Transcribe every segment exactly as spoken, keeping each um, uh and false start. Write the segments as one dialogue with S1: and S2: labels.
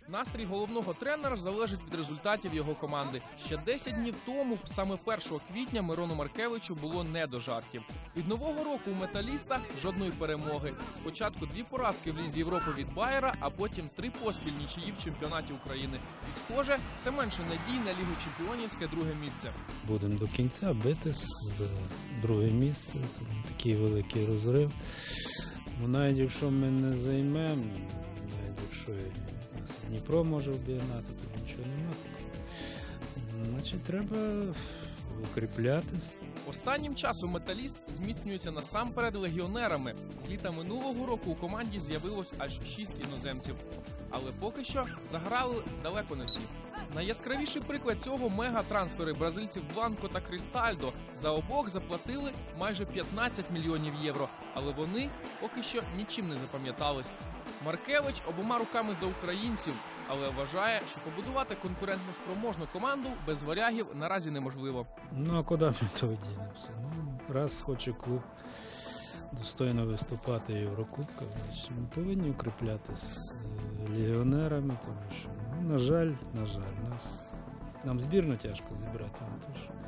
S1: Настрій головного тренера залежить від результатів його команди. Ще десять днів тому, саме першого квітня, Мирону Маркевичу було не до жартів. Від нового року у «Металіста» жодної перемоги. Спочатку дві поразки в Лізі Європи від Байера, а потім три поспіль нічиї в чемпіонаті України. І, схоже, все менше надій на Лігу Чемпіонівське друге місце.
S2: Будемо до кінця битись за друге місце. Там такий великий розрив. Ну, навіть якщо ми не займемо, навіть якщо Дніпро може обігнати, то нічого немає. Значить, треба укріплятись.
S1: Останнім часом «Металіст» зміцнюється насамперед легіонерами. З літа минулого року у команді з'явилось аж шість іноземців. Але поки що заграли далеко не всі. Найяскравіший приклад цього – мега-трансфери бразильців Бланко та Кристальдо. За обох заплатили майже п'ятнадцять мільйонів євро. Але вони поки що нічим не запам'ятались. Маркевич обома руками за українців, але вважає, що побудувати конкурентно спроможну команду без варягів наразі неможливо.
S2: Ну, а куди ми то дінемося? Ну, раз хоче клуб достойно виступати в Єврокубках, значить, ми повинні укріплятися з легіонерами, тому що, ну, на жаль, на жаль, нас, нам збірну тяжко зібрати. Не то, що,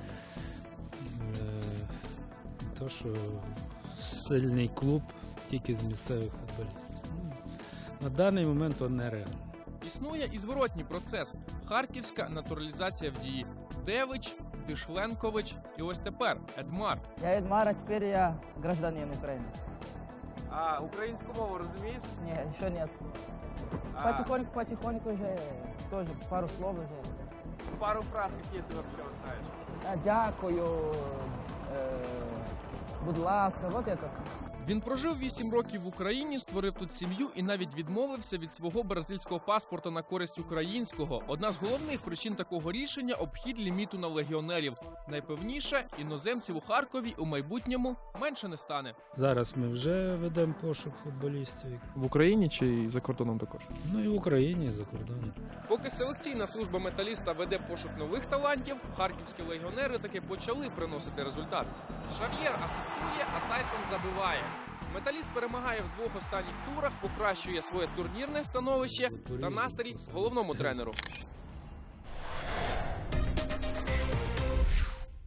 S2: е, не то, що сильний клуб тільки з місцевих футболістів. Ну, на даний момент то нереально.
S1: Існує і зворотній процес – харківська натуралізація в дії. Девич, Дишленкович і ось тепер Едмар.
S3: Я Едмар, а теперь я гражданин Украины.
S1: А українську мову розумієш?
S3: Нет, еще нет.
S1: А...
S3: Потихоньку, потихоньку уже тоже пару слов уже.
S1: Пару фраз, які ти взагалі знаєш.
S3: А, Дякую, э, будь ласка, вот это.
S1: Він прожив вісім років в Україні, створив тут сім'ю і навіть відмовився від свого бразильського паспорта на користь українського. Одна з головних причин такого рішення – обхід ліміту на легіонерів. Найпевніше, іноземців у Харкові у майбутньому менше не стане.
S2: Зараз ми вже ведемо пошук футболістів.
S1: В Україні чи за кордоном також?
S2: Ну і в Україні, і за кордоном.
S1: Поки селекційна служба «Металіста» веде пошук нових талантів, харківські легіонери таки почали приносити результат. Шав'єр асистує, а Тайсон забиває. «Металіст» перемагає в двох останніх турах, покращує своє турнірне становище та настрій головному тренеру.